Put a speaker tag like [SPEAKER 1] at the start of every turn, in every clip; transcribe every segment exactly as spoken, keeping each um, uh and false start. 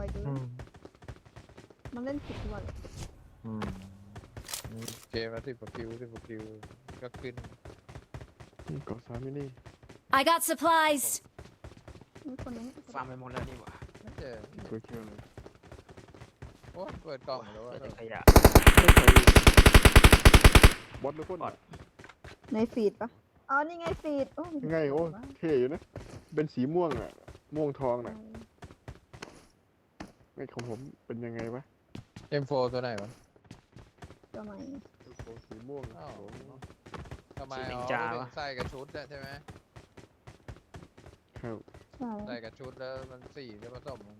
[SPEAKER 1] เกินมันเล่นผิดตัวเลย
[SPEAKER 2] เกมละสิบกว่าคิวสิบกว่าคิวก็ขึ้น
[SPEAKER 3] เกาะสามมินิ
[SPEAKER 4] I got supplies.
[SPEAKER 1] มีคนนึง
[SPEAKER 5] ฟาร์มไปหมดแล้วนี่หว่า
[SPEAKER 2] ไม่เจอ
[SPEAKER 3] ตัวเคียวเลย
[SPEAKER 2] โอ้เปิดกล่องแล้ว
[SPEAKER 5] เจ
[SPEAKER 2] ว่า
[SPEAKER 5] อแต่ขยะ
[SPEAKER 3] บอสหรือคน
[SPEAKER 1] ในฟีดปะอ๋อนี่ไงฟีดโอ้
[SPEAKER 3] ยังไงโอ้เท่อยู่นะเป็นสีม่วงอ่ะม่วงทองน่ะไอ้ของผมเป็นยังไงวะ
[SPEAKER 2] เอ็มโฟตัวไหนวะ
[SPEAKER 1] ตัวใหม่
[SPEAKER 3] สีม่วง
[SPEAKER 2] อ้าวทำไมอ๋อใส่กับชุดใช่ไหม
[SPEAKER 3] ครับ
[SPEAKER 1] ใช่
[SPEAKER 2] ใส่กับชุดแล้วมันสีจะผสม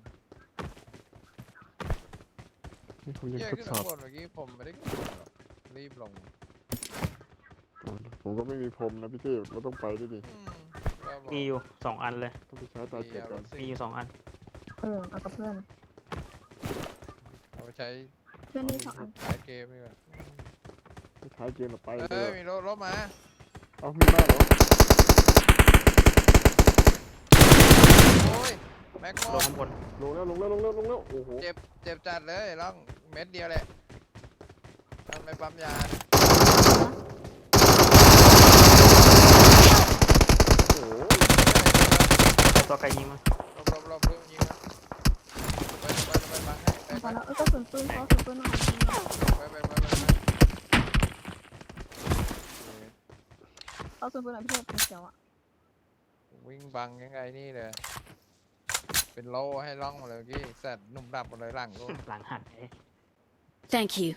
[SPEAKER 3] นี่ผมยัง
[SPEAKER 2] เยอะ
[SPEAKER 3] ทด
[SPEAKER 2] ขึ้น
[SPEAKER 3] สอบ
[SPEAKER 2] ข้างบนเมื่อกี้ผมไม่ได้กดหรอกรีบลง
[SPEAKER 3] ผมก็ไม่มีพรมนะพี่เต้เราต้องไปด้วยดิ
[SPEAKER 5] มีอยู่สองอันเลย
[SPEAKER 3] ต้องไปใช้ตาเจ็บก่อน
[SPEAKER 5] มีอยู่สองอัน
[SPEAKER 1] เออเอากับเพื่อน
[SPEAKER 2] เอาไปใช้
[SPEAKER 1] เพื่อนนี่สองอัน
[SPEAKER 2] ท้ายเกมนี่ก่อน
[SPEAKER 3] ไปท้ายเกมเราไป
[SPEAKER 2] เอ
[SPEAKER 3] เล
[SPEAKER 2] อย มีรถรถมา
[SPEAKER 3] เอามีมากเหรอ
[SPEAKER 2] โอ้ยแม็กโม
[SPEAKER 5] ลงข้างบน
[SPEAKER 3] ลงแล้วลงแล้วลงแล้วลงแล้วโอ้โห
[SPEAKER 2] เจ็บเจ็บจัดเลยล่องเม็ดเดียวแหละทำไปปั๊มยา
[SPEAKER 3] โอ้โห
[SPEAKER 5] ตัวไกลยิงมา
[SPEAKER 2] หลบหลบหลบเรื่องยิงนะไปไปไปบังให้ไป
[SPEAKER 1] พ
[SPEAKER 2] ไป
[SPEAKER 1] อแล้วเออก็สุนปืนเขาสุนปืนหน่อย
[SPEAKER 2] ไปไปไปไป
[SPEAKER 1] เอาสุนปืนหน่อยพี่เทพเป็นเขียวอ่ะ
[SPEAKER 2] วิ่งบังยังไงนี่เลยเป็นโล่ให้ล่องมาเลยกี้แซดหนุ่มดับมาเลยหลังกู
[SPEAKER 5] หลังหันเอ๊ะ
[SPEAKER 4] Thank you.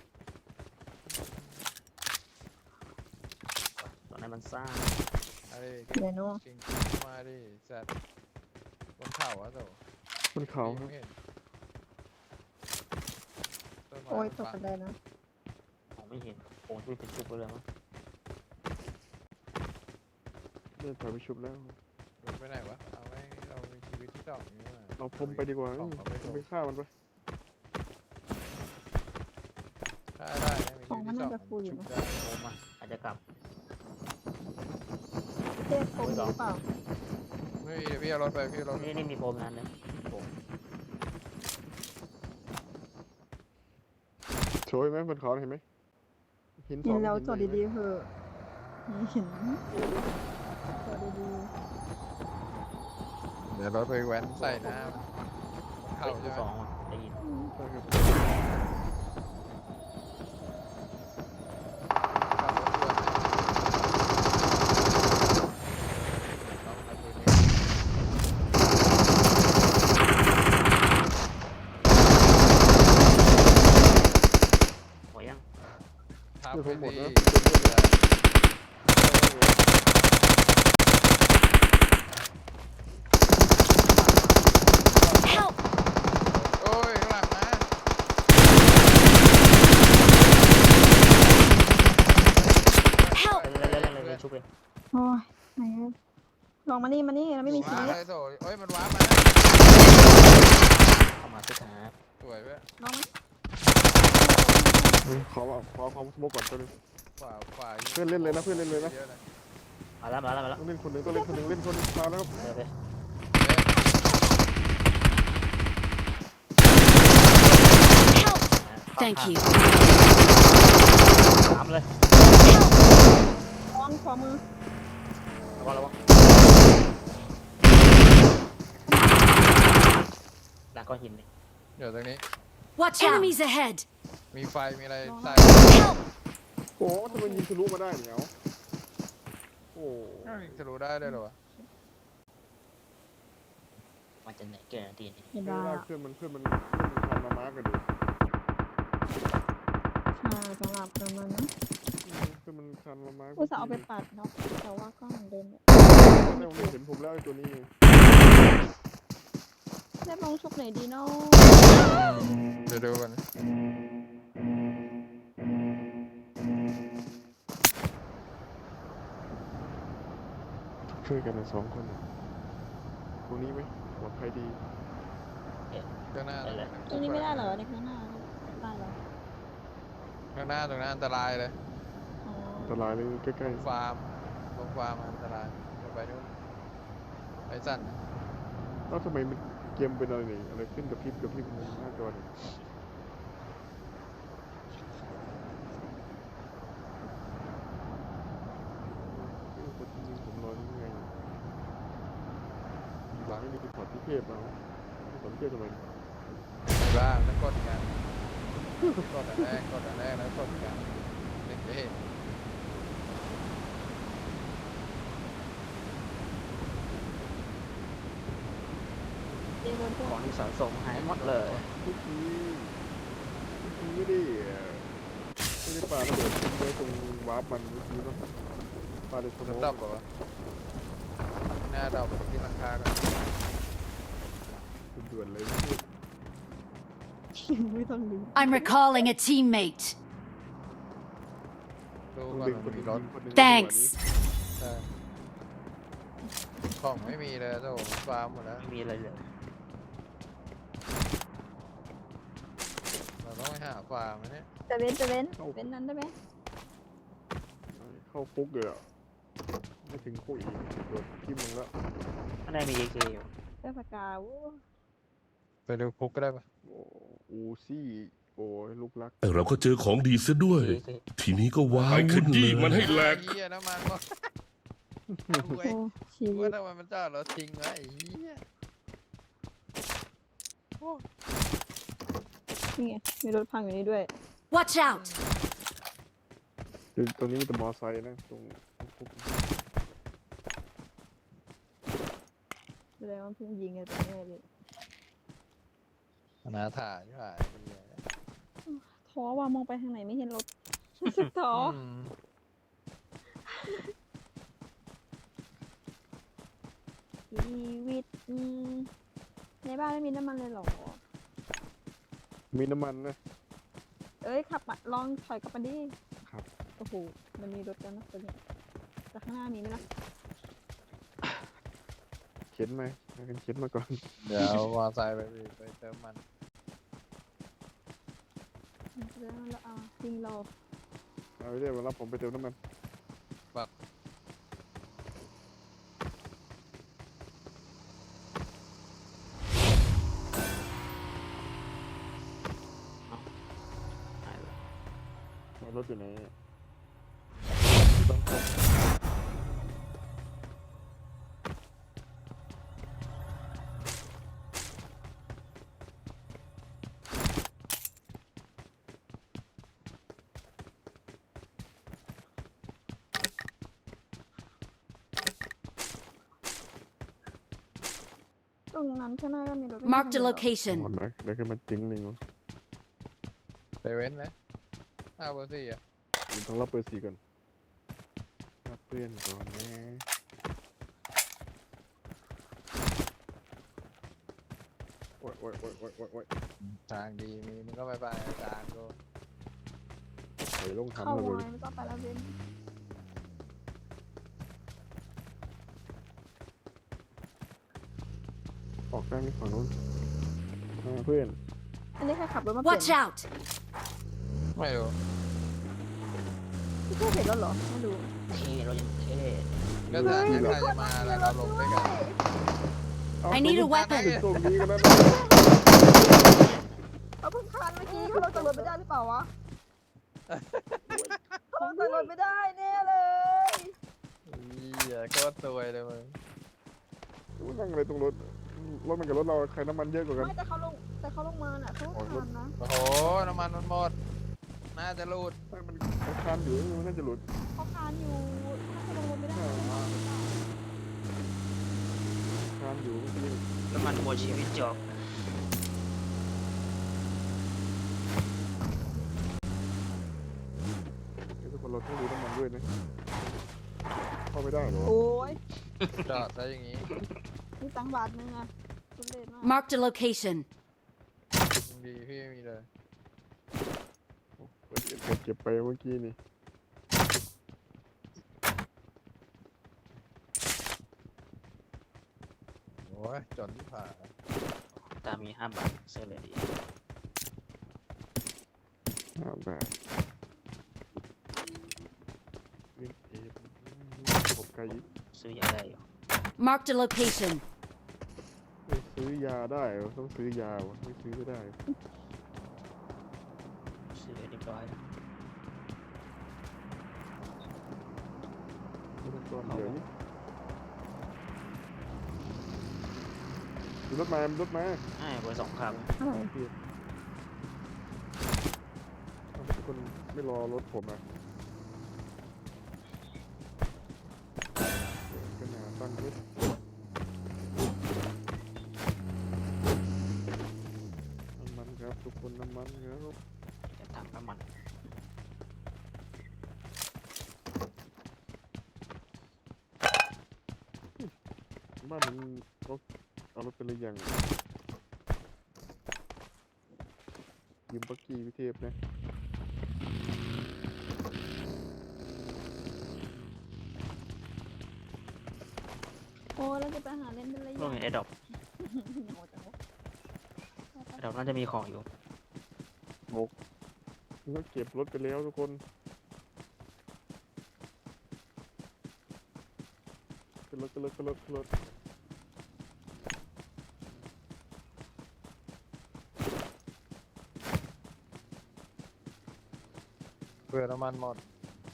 [SPEAKER 5] ตอนนั้นมันซ่า
[SPEAKER 2] อะไร
[SPEAKER 1] เดี๋ยวนู้
[SPEAKER 2] จริงมาดิแซดบนเข่าอะโต
[SPEAKER 3] บนเขาครับ
[SPEAKER 1] โอ้ยตกกระไดนะ
[SPEAKER 5] มองไม่เห็นโอ้ยเป็นชุบไปเลยมั้ง
[SPEAKER 3] เล่นถอยไปชุบแล้ว
[SPEAKER 2] ไปไหนวะเอาไว้เรามีชีวิตที่สองนี้มา
[SPEAKER 3] เอาพรมไปดีกว่าเอ้ยไปฆ่ามันไป
[SPEAKER 2] ถ้าได้มีชีวิตที่สองชุบได้
[SPEAKER 5] โอ้มาอาจจะกลับ
[SPEAKER 1] พี่เทพโกงหรือเปล่า
[SPEAKER 2] ไม่มีพี่เอารถไปพี่เอารถ
[SPEAKER 5] นี่นี่มีโฟมนั้นเลยโอ้
[SPEAKER 3] โชยไหมบนเขาเห็นไหมหินส
[SPEAKER 1] เห็
[SPEAKER 3] อน ง
[SPEAKER 1] แล้ว
[SPEAKER 3] หิน
[SPEAKER 1] จอด
[SPEAKER 3] เลย
[SPEAKER 1] ดีๆเถอะเห็นจอดดี
[SPEAKER 2] เดี๋ยวรถไปแว้นใส่น้ำ
[SPEAKER 5] เป็
[SPEAKER 2] เข่าน ใช่
[SPEAKER 5] ที่
[SPEAKER 2] ไหม
[SPEAKER 5] สองอ่ะได้ยิน
[SPEAKER 3] ใช่ครับ
[SPEAKER 2] ขับรถด่วนต้องทำตัวนี้
[SPEAKER 5] หัวยัง
[SPEAKER 2] ทับ
[SPEAKER 3] เดี๋ยวผ
[SPEAKER 2] ไป
[SPEAKER 3] มหมด
[SPEAKER 2] ดี
[SPEAKER 3] แล้ว
[SPEAKER 4] Help!
[SPEAKER 2] โอ้ยข้างหลังมา
[SPEAKER 4] Help!
[SPEAKER 5] เล่นเล่นเล่นเล่นชุบเลย
[SPEAKER 1] ๆโอ้ยไหนลองมานี่มานี่เราไม่มีชี
[SPEAKER 2] ว้า
[SPEAKER 1] วิต
[SPEAKER 2] เลยโถโอ้ยมันว้ามา
[SPEAKER 5] เข้ามาสุดท้าย
[SPEAKER 2] สวยเว้ย
[SPEAKER 1] ลองไหม
[SPEAKER 3] ขอขอความสมบูรณ์ก่อนตัวนึง
[SPEAKER 2] ขวาขวา
[SPEAKER 3] เพื่อนเล่นเลยนะเพื่อนเล่นเลยนะ
[SPEAKER 2] ยอะ
[SPEAKER 5] มาแล้วมาแล้วมาแล้ว
[SPEAKER 3] ต้องเล่นคนหนึ่งต้องเล่นคนหนึ่งเล่นคนหนึ่งมาแล้วครับ
[SPEAKER 5] เดี๋ยวไป
[SPEAKER 4] Help! Thank you.
[SPEAKER 5] สามเลย
[SPEAKER 1] ลองขอมือ
[SPEAKER 5] ระวังระวังหลังก้อนหินนี่
[SPEAKER 2] เดี๋ยวตรงนี้
[SPEAKER 4] Watch out! Enemies ahead!
[SPEAKER 2] มีไฟมีอะไรใส่
[SPEAKER 4] Help!
[SPEAKER 3] โอ้ทำไมยิงทะลุมาได้เนี่ยเอาโอ้
[SPEAKER 2] จะรู้ได้เลยเหรอวะ
[SPEAKER 5] มันจะไหนเกินนาทีนี้
[SPEAKER 1] เห็น
[SPEAKER 3] ไม่
[SPEAKER 1] ว่า
[SPEAKER 3] ได้เพื่อนมันเพื่อนมันเพื่อนมันทำมามาร์กกันดิ
[SPEAKER 1] ใช่สำหรับประมาณนั้น
[SPEAKER 3] เพื่อนมันทำมามาร์ก
[SPEAKER 1] อุตส่าห์เอาไปปัดเนาะแต่ว่าก็เหมือนเดิมเลย
[SPEAKER 3] ไม่ผมเห็นผมแล้วไอ้ตัวนี้
[SPEAKER 1] เรียบลงชุบไหนดีเนาะ
[SPEAKER 2] เดี๋ยวดูกัน
[SPEAKER 3] ช่วยกันนะสองคนตรงนี้ไหมปลอดภัยดี
[SPEAKER 2] ข้างหน้า
[SPEAKER 5] ได้เลย
[SPEAKER 1] ตรงนี้ไม่ได้เหรอในข้างหน้าได้เหรอ
[SPEAKER 2] ข้างหน้าตรงนั้นอันตรายเลย
[SPEAKER 1] อ๋อ
[SPEAKER 3] อันตรายเลยใกล้
[SPEAKER 2] ฟาร์มลงฟาร์มอันตรายเดี๋ยวไปนู่นไปสั่น
[SPEAKER 3] ๆแล้วทำไมมันเกมเป็นอะไรนี่อะไรขึ้นกับพริบกับพริบหน้าจอนี่เอ้ยคนยิงผมรอนี่ไงหลังนี่คือพอร์ตที่เทพเอาพอร์ตที่เทพทำไม
[SPEAKER 2] บ้างแล้วกดกันกดอันแรกกดอันแรกแล้วกดกันเด็กจะเห็น
[SPEAKER 1] เจโดนพว
[SPEAKER 5] ข
[SPEAKER 1] ก
[SPEAKER 5] องที่สะสมหายหมดเลย
[SPEAKER 3] ทุกทีทุกทีไม่ได้เอ่อไม่ได้ปาระเบิดทิ้งไว้ตรงวาร์ปมันเมื่อกี้เนาะปาในสม
[SPEAKER 2] มัน
[SPEAKER 3] อง
[SPEAKER 2] ดับเหรอวะหน้าดับไปที่หลังคากัน
[SPEAKER 3] ด่วนๆเลย
[SPEAKER 1] ไม่ต้องดู
[SPEAKER 4] I'm recalling a teammate.
[SPEAKER 2] ดู
[SPEAKER 3] ต้อง
[SPEAKER 2] ก่อน
[SPEAKER 3] ดึงค
[SPEAKER 2] มัน น
[SPEAKER 3] ห
[SPEAKER 2] มี
[SPEAKER 3] นึ่ง
[SPEAKER 2] รถ
[SPEAKER 3] คนหนึ่ง
[SPEAKER 4] Thanks
[SPEAKER 2] ใช่ของไม่มีเลยโอ้โหฟาร์มหมดแล้ว
[SPEAKER 5] ไม่มีอะไรเลย
[SPEAKER 2] เราต้องไปหาฟาร์มนะเนี่ย
[SPEAKER 1] จะเว้นจะเว้นเว้นนั้นได้ไหม
[SPEAKER 3] เข้าคุกเลยอ่ะไม่ถึงคุกอีกโดดทิ่มลงแล้ว
[SPEAKER 5] ข้างในมีเอเคอยู่
[SPEAKER 1] เสื้อปากกาโอ้
[SPEAKER 2] ไปดูคุกก็ได้ปะ
[SPEAKER 3] โอ้อูซี่โอ้ยลูกรัก
[SPEAKER 6] แต่เราก็เจอของดีซะด้วย
[SPEAKER 5] เอเค
[SPEAKER 6] ทีนี้ก็ว้า
[SPEAKER 7] ไปข
[SPEAKER 6] วุ่นเล
[SPEAKER 7] ยี้
[SPEAKER 6] ย
[SPEAKER 7] มันให้แหลก
[SPEAKER 2] ไอ้เหี้ยน้ำมันวะ
[SPEAKER 1] โหชีวิ
[SPEAKER 2] ว่า
[SPEAKER 1] ต
[SPEAKER 2] ทำไมมันจอดรถทิ้งไว้ไอ้เหี้ย
[SPEAKER 1] นี่ไงมีรถพังอยู่นี่ด้วย
[SPEAKER 4] Watch out!
[SPEAKER 3] คือตรงนี้มีแต่มอไซค์นะตรงคุก
[SPEAKER 1] แสดงว่าเพิ่งยิงกันไปแน่เลย
[SPEAKER 2] อนาถาใช่ไหม
[SPEAKER 1] ท้อว่ามองไปทางไหนไม่เห็นรถรู้สึกท้อ
[SPEAKER 2] อืม
[SPEAKER 1] ชีวิตอืมในบ้านไม่มีน้ำมันเลยเหรอ
[SPEAKER 3] มีน้ำมันนะ
[SPEAKER 1] เอ้ยขับมาลองถอยกลับมาดิ
[SPEAKER 3] ครับ
[SPEAKER 1] โอ้โหมันมีรถกันนะตัวนี้แต่ข้างหน้ามีไหมล่ะ
[SPEAKER 3] เข็นไหมให้กันเข็นมาก่อน
[SPEAKER 2] เดี๋ยวเอามอไซค์ไปดิไปเติมมัน
[SPEAKER 1] แล้วเราเอาจริงเรา
[SPEAKER 3] เอาไปเรียกมารับผมไปเติมน้ำมัน
[SPEAKER 5] หายไปแล้ว
[SPEAKER 3] เอารถอยู่ไหนอะ
[SPEAKER 2] ต้องพก
[SPEAKER 1] ตรงนั้นข้างหน้าก็มีรถ
[SPEAKER 4] Marked a
[SPEAKER 3] หม
[SPEAKER 4] location.
[SPEAKER 3] ดนะเดี๋ยวขึ้นมาจริงหนึ่งวะ
[SPEAKER 2] ไปเว้นไหมห้าเบอร์สี่อ่ะ
[SPEAKER 3] เดี๋ยวต้องรับเบอร์สี่ก่อนรับเพื่อนก่อนนะโอ้ยโอ้ยโอ้ยโอ้ยโอ้ยโอ้ย
[SPEAKER 2] ทางดีมีมึงก็ไปไปอาจารย์กู
[SPEAKER 3] ใส่ลง
[SPEAKER 1] เข้า
[SPEAKER 3] ทำระเบิ
[SPEAKER 1] ไว้
[SPEAKER 3] ด
[SPEAKER 1] ไม่ต้องไปแล้วเว้น
[SPEAKER 3] ออกได้ไหมฝั่งนู้นอ่าเพื่อน
[SPEAKER 1] อันนี้ใครขับรถมาเปลี่ย
[SPEAKER 4] Watch
[SPEAKER 1] น
[SPEAKER 4] out!
[SPEAKER 2] ไม่รู้
[SPEAKER 1] พี่เพื่อนเห็นรถเหรอไม่ดู
[SPEAKER 5] เท่เรายังเท่
[SPEAKER 2] ก็แต่ถ้าใครจะมาแล้วเราลงด้วยกัน
[SPEAKER 3] เอา
[SPEAKER 4] I need a
[SPEAKER 3] ถึ
[SPEAKER 4] weapon.
[SPEAKER 3] งตรงนี้ก็ได้
[SPEAKER 1] เขาเพิ่งคานเมื่อกี้เขาลงจากรถไม่ได้หรือเปล่าวะเขาลงจากรถไม่ได้แน่เลย
[SPEAKER 2] เหี้ยโคตรซวยเลยมึง
[SPEAKER 3] มันนั่งอะไรตรงรถรถมันกับรถเราใครน้ำมันเยอะกว่ากัน
[SPEAKER 1] ไม่แต่เขาลงแต่เขาลงมาน่ะเขาคานนะ
[SPEAKER 2] โอ้โหน้ำมันมันหมดน่าจะรูด
[SPEAKER 3] ไม่มันมันคานอยู่มันน่าจะหลุด
[SPEAKER 1] เขาคานอยู่ถ้าจะลงรถไม่ได้
[SPEAKER 3] คานอยู่เมื่อกี้
[SPEAKER 5] น้ำมันหมดชีวิตจบ
[SPEAKER 3] เดี๋ยวทุกคนเราต้องดูน้ำมันด้วยนะเข้าไม่ได้เหรอ
[SPEAKER 1] โอ้ย
[SPEAKER 2] จอดซะอย่างงี้
[SPEAKER 1] มีตังค์บาทนึงอะทุเรศมาก
[SPEAKER 4] Marked a location.
[SPEAKER 2] ดีพี่ไม่มีเลย
[SPEAKER 3] เปิดเก็บเก็บเก็บไปเมื่อกี้นี่
[SPEAKER 2] โอ้ยจนที่ผ่า
[SPEAKER 5] ตามมีห้าบาทเสื้อเลยดี
[SPEAKER 3] ห้าบาทเล่นเอฟผมไกลอีก
[SPEAKER 5] ซื้อยังได้อยู่
[SPEAKER 4] Marked a location.
[SPEAKER 3] เอ้ยซื้อซื้อยาได้วะต้องซื้อยาวะไม่ซื้อไม่ได้
[SPEAKER 5] ซื้อเรียบร้อยแล้ว
[SPEAKER 3] ไม่ต้องก้อนเดียวนี่มีรถมามีรถมา
[SPEAKER 5] ไอ้เบอร์สองครับ
[SPEAKER 1] อะไร
[SPEAKER 3] ทำไมทุกคนไม่รอรถผมอ่ะกันหาตั้งรถน้ำมันครับทุกคนน้ำมันครับ
[SPEAKER 5] จะถังน้ำมัน
[SPEAKER 3] บ้านมันเขาเอารถไปเลยยังยืมปักกี้วิเทพนะ
[SPEAKER 1] โอ้แล้วจะไปหาเล่นเป็นระ
[SPEAKER 5] พวก
[SPEAKER 1] ยะ
[SPEAKER 5] นี้ไอ้ดอก
[SPEAKER 1] เหงาจังวะ
[SPEAKER 5] ไอ้ดอกน่าจะมีของอยู่
[SPEAKER 3] แล้วเก็บรถไปแล้วทุกคนขึ้นรถขึ้นรถขึ้นรถขึ้นรถ
[SPEAKER 2] เพื่อน้ำมันหมด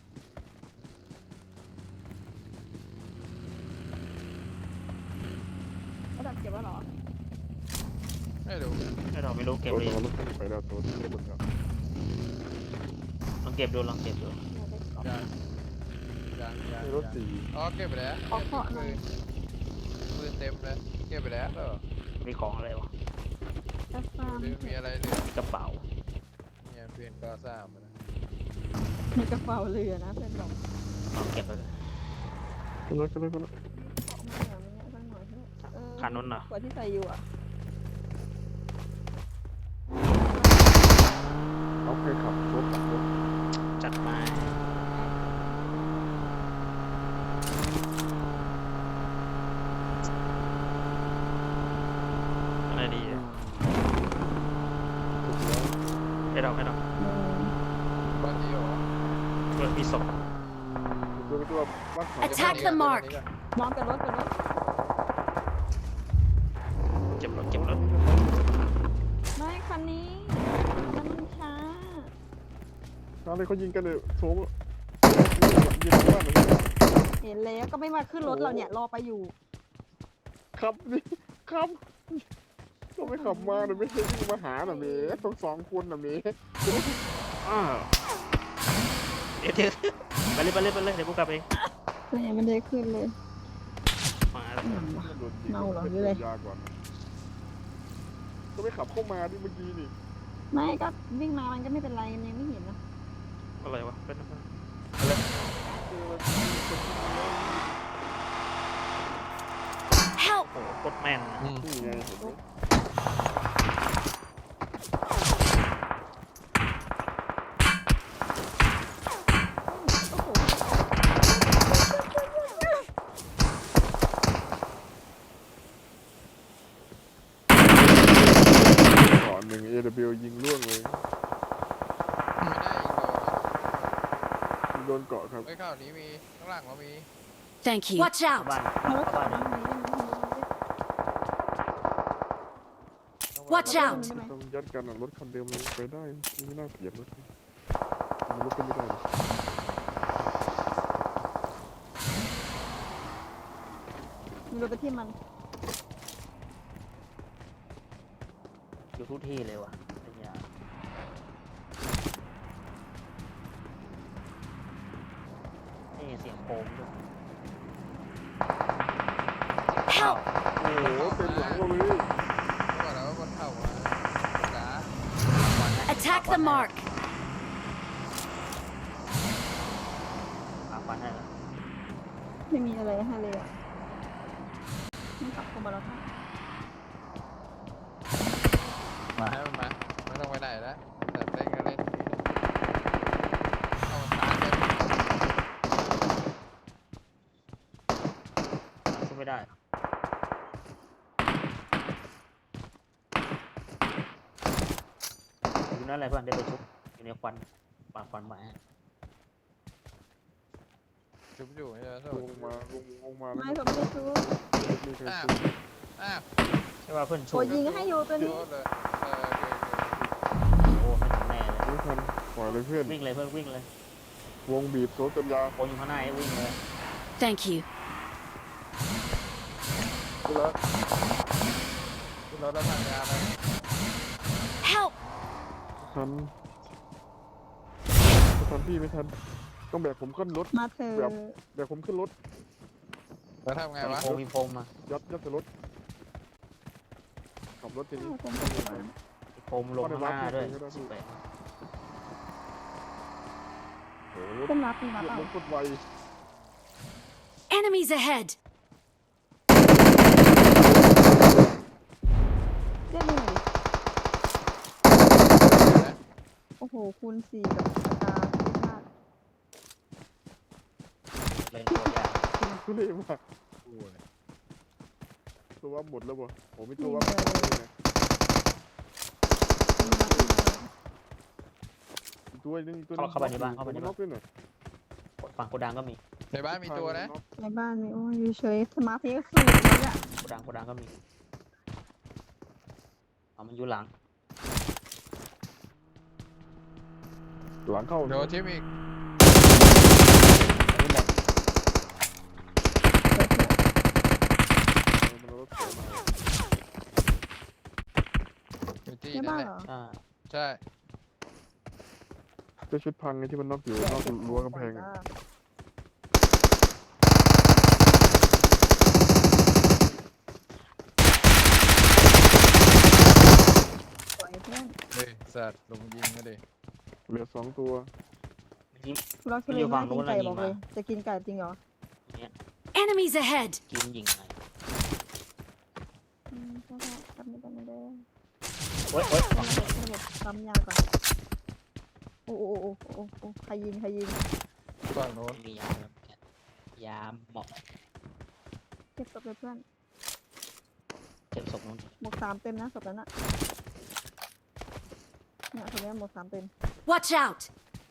[SPEAKER 1] ระดับเก็บไว้เหรอ
[SPEAKER 2] ไม่รู้
[SPEAKER 5] ไอ้ดอกไม่รู้เก็บ
[SPEAKER 3] รถ
[SPEAKER 5] เลย
[SPEAKER 3] รถขึ้นไปแล้วตัวเก็บหมดแล้ว
[SPEAKER 5] ลองเก็บดูลองเก็บดู
[SPEAKER 1] เราได้กรอบ
[SPEAKER 2] ยังยังยัง
[SPEAKER 3] ในรถ
[SPEAKER 2] ยัง
[SPEAKER 3] สี่
[SPEAKER 2] อ๋อเก็บไปแล้ว
[SPEAKER 1] ขอเคาะหน่อย
[SPEAKER 2] ปืนเต็มเลยเก็บไปแล้วเหรอ
[SPEAKER 5] มีของอะไรวะ
[SPEAKER 1] กระฟา
[SPEAKER 2] หรือมีอะไรเหลือ
[SPEAKER 5] มีกระเป๋า
[SPEAKER 2] เนี่ยเพื่อนก็สร้างมาแล้ว
[SPEAKER 1] มีกระเป๋าเรือนะเพื่อนบอก
[SPEAKER 5] ลองเก็บไปเลย
[SPEAKER 3] ขึ้นรถขึ้นรถขึ้นรถ
[SPEAKER 1] ออกมาเหนือมันเนี่ยสักหน่อยเถอะเออ
[SPEAKER 5] คันนู้นน่ะ
[SPEAKER 1] กว่าที่ใส่อยู่อ่ะ
[SPEAKER 3] เอาใครขับรถขับรถ
[SPEAKER 5] จัดมาอะไรดีอะ
[SPEAKER 3] ถูกแล้ว
[SPEAKER 5] ไอ้ดอกไอ้ดอก
[SPEAKER 1] อืม
[SPEAKER 2] บ้านนี้เหรอ
[SPEAKER 5] เพื่อนมีศพ
[SPEAKER 3] ตัวเป็นตัวบ้านขาว
[SPEAKER 4] Attack the mark
[SPEAKER 1] มองกับรถกับรถ
[SPEAKER 5] เก็บรถเก็บรถ
[SPEAKER 1] ไม่คันนี้คันมันช้า
[SPEAKER 3] อะไรเขายิงกันเลยโถมยิงบ้านเลย
[SPEAKER 1] เห็นแล้วก็ไม่มาขึ้นรถเราเนี่ยรอไปอยู่
[SPEAKER 3] ขับนี่ขับก็ไม่ขับมาหน่อยไม่ใช่วิ่งมาหาหน่อยเมย์ต้องสองคนหน่อยเมย์
[SPEAKER 5] อ้าวเดี๋ยวเดี๋ยวไปเลยไปเลยไปเลยเดี๋ยวกูกลับเอง
[SPEAKER 1] แต่ยังไม่ได้ขึ้นเลย
[SPEAKER 5] มาแล้ว
[SPEAKER 1] เมาเหรอหรืออะไร
[SPEAKER 3] ยากกว่าก็ไม่ขับเข้ามาดิเมื่อกี้นี่
[SPEAKER 1] ไม่ก็วิ่งมามันก็ไม่เป็นไรมันยังไม่เห็นนะ
[SPEAKER 5] อะไรวะเป็นอะไร
[SPEAKER 3] เออ
[SPEAKER 4] Help!
[SPEAKER 5] โอ้โหโคตรแม่นนะ
[SPEAKER 2] อืม
[SPEAKER 3] นี่ไงเห็นไหม
[SPEAKER 1] โอ้โห
[SPEAKER 3] ก่อนหนึ่ง เอ ดับเบิลยู ยิงล่วงเลย
[SPEAKER 2] ไม่ได้อีกเหรอ
[SPEAKER 3] ยิงโดนเกาะครับ
[SPEAKER 2] ไอ้ข่าวนี้มีข้างหลังเรามี
[SPEAKER 4] Thank you. Watch
[SPEAKER 5] เข้า
[SPEAKER 4] out!
[SPEAKER 5] บ้าน
[SPEAKER 1] เอารถ
[SPEAKER 5] เข้า
[SPEAKER 1] ขั
[SPEAKER 5] บ้า
[SPEAKER 1] บ
[SPEAKER 5] น
[SPEAKER 1] มาทางนี้ได้ไหม
[SPEAKER 4] Watch
[SPEAKER 1] ได้
[SPEAKER 4] out!
[SPEAKER 1] ไหม
[SPEAKER 3] ต้องยัดกันอะรถคันเดิมเลยไปได้ไม่น่าเกลียดรถมันรถก็ไม่ได้หรอก
[SPEAKER 1] มีรถไปที่มัน
[SPEAKER 5] อยู่ทุกที่เลยว่ะไอ้เหี้ยนี่เสียงโคมด้วย
[SPEAKER 4] Help!
[SPEAKER 3] โอ้โหเต็มหลังเราเลย
[SPEAKER 2] บอกแล้วว่าบนเขามาจ๋า
[SPEAKER 4] Attack the mark!
[SPEAKER 5] ปาฟันให้เหรอ
[SPEAKER 1] ไม่มีอะไรให้เลยอ่ะมันขับเข้ามาแล้วค่ะ
[SPEAKER 2] มาให้มันมาไม่ต้องไปไหนแล้วแต่เล่นก็เล่นเอาตาเล่น
[SPEAKER 5] ขึ้นไม่ได้เหรออยู่นั่นแหละเพื่อนได้ไปชุบอยู่ในควันปาดควันมาให้
[SPEAKER 2] ชุบอยู่ใช่ไหมโท
[SPEAKER 3] ล
[SPEAKER 2] ษ
[SPEAKER 3] งมาลงลงมาแล้ว
[SPEAKER 1] ไม่ผมไม่ได้ชู
[SPEAKER 3] มีใคร
[SPEAKER 2] อ้าว
[SPEAKER 3] ซื้อ
[SPEAKER 2] อ้าว
[SPEAKER 5] ไม่ว่าเพื่อนชู
[SPEAKER 1] โอ้ยยิงให้อยู่ตัว
[SPEAKER 2] โย
[SPEAKER 1] นี้
[SPEAKER 2] นเลยเออโอเค
[SPEAKER 5] โอ้ไม่ถึงแน่เลย
[SPEAKER 3] ไม่ทันปล่อยเลยเพื่อน
[SPEAKER 5] วิ่งเลยเพื่อนวิ่งเลยว
[SPEAKER 3] งบีบโซจนยาว
[SPEAKER 5] โคนอยู่ข้างหน้าให้วิ่งเลย
[SPEAKER 4] Thank you.
[SPEAKER 2] ขึ้นรถขึ้นรถแล้วทางยาเลย
[SPEAKER 4] Help!
[SPEAKER 3] ทันไม่ทันพี่ไม่ทันต้องแบกผมขึ้นรถ
[SPEAKER 1] มาเถอะ
[SPEAKER 3] แบกผมขึ้นรถ
[SPEAKER 2] แล้วทำไง
[SPEAKER 5] มี
[SPEAKER 2] วะ
[SPEAKER 5] โพงมีโพงมา
[SPEAKER 3] ยัดยัดใส่รถขับรถทีนี้
[SPEAKER 1] ผมผมผม
[SPEAKER 5] มีโพงลงข้างหน้าด้วยสิบแปด
[SPEAKER 3] โอ้โหรถ
[SPEAKER 1] เต้นรับมีรับ
[SPEAKER 3] รถ
[SPEAKER 1] เปล่าร
[SPEAKER 3] ถกดไว
[SPEAKER 4] Enemies ahead!
[SPEAKER 1] เรียกมึงหน่อยดิโอ้โหคูณสี่กับสตาร์เท่มาก
[SPEAKER 5] เล่นตัวยาก
[SPEAKER 3] ทุเรศมาก
[SPEAKER 2] โอ้ย
[SPEAKER 3] ตัววับหมดแล้วบ่ผมมีตัววับหมดเลยนะอีกตัวนึงอีกตัวนึง
[SPEAKER 5] เข้าไปในบ้านเข้าไปใน
[SPEAKER 3] น็
[SPEAKER 5] บ้า
[SPEAKER 3] อน กด้วยหน่อย
[SPEAKER 5] ฝั่งโกดังก็มี
[SPEAKER 2] ในบ้านมีตัวนะ
[SPEAKER 1] ในบ้านมีโอ้ยอยู่เฉยสมาธิก็สูงเลยอะ
[SPEAKER 5] โกดังโกดังก็มีเอามันอยู่หลัง
[SPEAKER 3] หลังเข้า
[SPEAKER 2] โดนทิมอีก
[SPEAKER 5] อันนี้หมด
[SPEAKER 3] มันเอารถเสียมา
[SPEAKER 2] อยู่ที่
[SPEAKER 1] ใน
[SPEAKER 2] นั่
[SPEAKER 1] บ้าน น
[SPEAKER 2] แหละ
[SPEAKER 1] เหรอ
[SPEAKER 5] ใช่
[SPEAKER 2] ใช่
[SPEAKER 3] เจ้าชุดพังไงที่มันน็อกอยู่นอกรั้วกำแพงอะ
[SPEAKER 1] สวยเพื่อน
[SPEAKER 2] เฮ้ยสัตว์ลงยิงก็ดิ
[SPEAKER 3] เหลือสองตัว
[SPEAKER 5] มันยิง
[SPEAKER 1] ทุเราทุเรศมากกินไก่บอกเลยจะกินไก่จริงเหรอ
[SPEAKER 5] เนี่ย
[SPEAKER 4] Enemies ahead!
[SPEAKER 5] กินยิงไง
[SPEAKER 1] อืมใช่ใช่ทำไม่ได้ไม่ได้
[SPEAKER 5] โอ๊ยโอ๊ย
[SPEAKER 1] ระบบระบบปั๊มยาก่อนโอ้โอ้โอ้โอ้โอ้ใครยิงใครยิง
[SPEAKER 2] ฝั่งโน้น
[SPEAKER 5] มียาแล้วกันยาเหมาะ
[SPEAKER 1] เก็บศพเลยเพื่อน
[SPEAKER 5] เจ็บศพนู้น
[SPEAKER 1] หมวกสามเต็มนะศพนั้นอะเนี่ยศพนี้หมวกสามเต็ม
[SPEAKER 4] Watch out!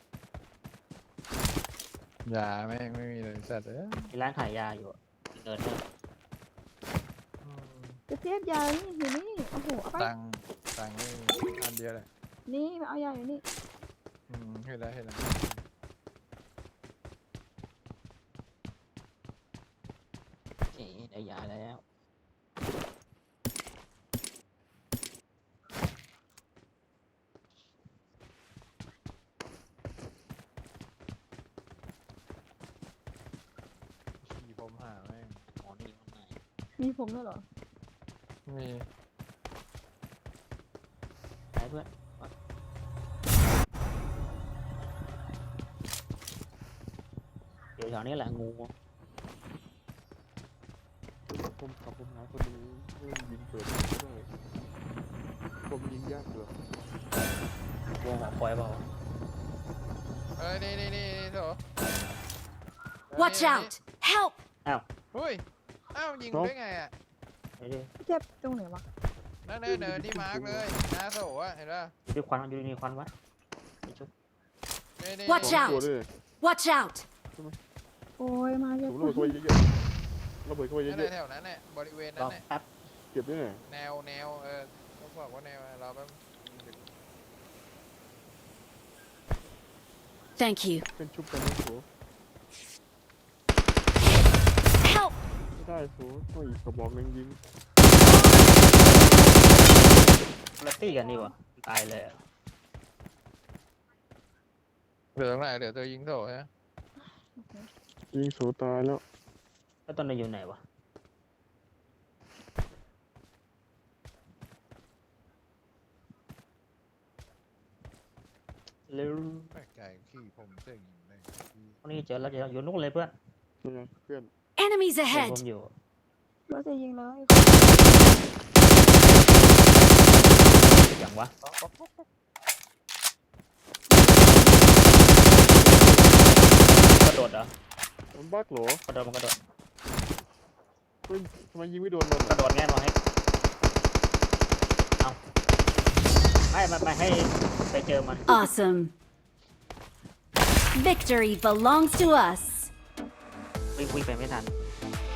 [SPEAKER 2] ยาแม่งไม่มีเลยสัตว์เอ้ย
[SPEAKER 5] มีร้านขายยาอยู่อะเดินเนี่ย
[SPEAKER 1] จะเทียบยานี่อยู่นี่โอ้โหเอาไป
[SPEAKER 2] ตังค์ตังค์ไม่มีอันเดียวเลย
[SPEAKER 1] นี่มาเอายาอยู่นี่
[SPEAKER 2] อืมเห็นแล้วเห็นแล้ว
[SPEAKER 5] เอ๊ะได้ยาแล้ว
[SPEAKER 2] ขี่ผมหาแม่ง
[SPEAKER 5] หมอนี่ข้างใน
[SPEAKER 1] มีผมด้วยเหรอ
[SPEAKER 2] มี
[SPEAKER 5] ไปเพื่อนเดี๋ยวแถวนี้แหละงู
[SPEAKER 3] ผมขับผมหาคนนี้เริ่มยิงเปิดไม่ได้ผมยิงยากเหลือ
[SPEAKER 5] วงหอคอยเปล่า
[SPEAKER 2] เอ้ยนี่นี่นี่นี่โถ
[SPEAKER 4] Watch
[SPEAKER 2] นี่
[SPEAKER 4] out! Help!
[SPEAKER 2] เฮ้ยอ้าวยิงได้ไงอ่ะ
[SPEAKER 5] เดี๋ยวดิ
[SPEAKER 1] เทียบตรงไหนวะ
[SPEAKER 2] นั่นเนินเนินที่มาร์กเลยนาโสอ่ะเห็นป่ะ
[SPEAKER 5] ดูควันดูนี่ควันวะนี่ชุบ
[SPEAKER 2] นี่นี่
[SPEAKER 4] Watch
[SPEAKER 3] สอง
[SPEAKER 4] out
[SPEAKER 3] ตัวด้วย
[SPEAKER 4] Watch out!
[SPEAKER 1] โอ้ยมาเย
[SPEAKER 3] ผ
[SPEAKER 1] อะ
[SPEAKER 3] มระเบิดเข้าไปเยอะๆระเบิดเข้าไปเย
[SPEAKER 2] นั่นแหละ
[SPEAKER 3] อะ
[SPEAKER 2] แถวนั้นแหละบริเวณ
[SPEAKER 5] ร
[SPEAKER 2] นั้
[SPEAKER 5] อน
[SPEAKER 2] แหละ
[SPEAKER 5] แป๊บ
[SPEAKER 3] ๆเก็บด้วยหน่อย
[SPEAKER 2] แนวแนวเออต้องบอกว่าแนวเราแบบ
[SPEAKER 4] Thank you.
[SPEAKER 3] เป็นชุบกันนะโถ
[SPEAKER 4] Help!
[SPEAKER 3] ไม่ได้โถต้องอีกกระบอกหนึงยิง
[SPEAKER 5] แล้วตีกันดีวะตายเลยอะ
[SPEAKER 2] เหลือตรงไหนเหลือตัวยิงโถฮะ
[SPEAKER 3] ยิงโถตายแล้ว
[SPEAKER 5] แล้วตอนนี้อยู่ไหนวะเร็ว
[SPEAKER 2] แปลกใจขี่ผมเสียงยิงเลย
[SPEAKER 5] ตอนนี้เจอแล้วเจอแล้วอยู่นู่นเลยเพื่อน
[SPEAKER 3] นี่ไงเพื่อน
[SPEAKER 4] Enemies
[SPEAKER 5] เห็น
[SPEAKER 4] ahead!
[SPEAKER 5] ผมอยู่
[SPEAKER 1] รถจะยิงเลย
[SPEAKER 5] อย่างวะกระโดดเหรอ
[SPEAKER 3] มันบักเหรอก
[SPEAKER 5] ระโดดมันกระโดด
[SPEAKER 3] เฮ้ยทำไมยิงไม่โดนมัน
[SPEAKER 5] กระโดดแง่นวะให้เอาไม่ไม่ไม่ให้ไปเจอมัน
[SPEAKER 4] Awesome! Victory belongs to us!
[SPEAKER 5] วิ่งวิ่งไปไม่ทัน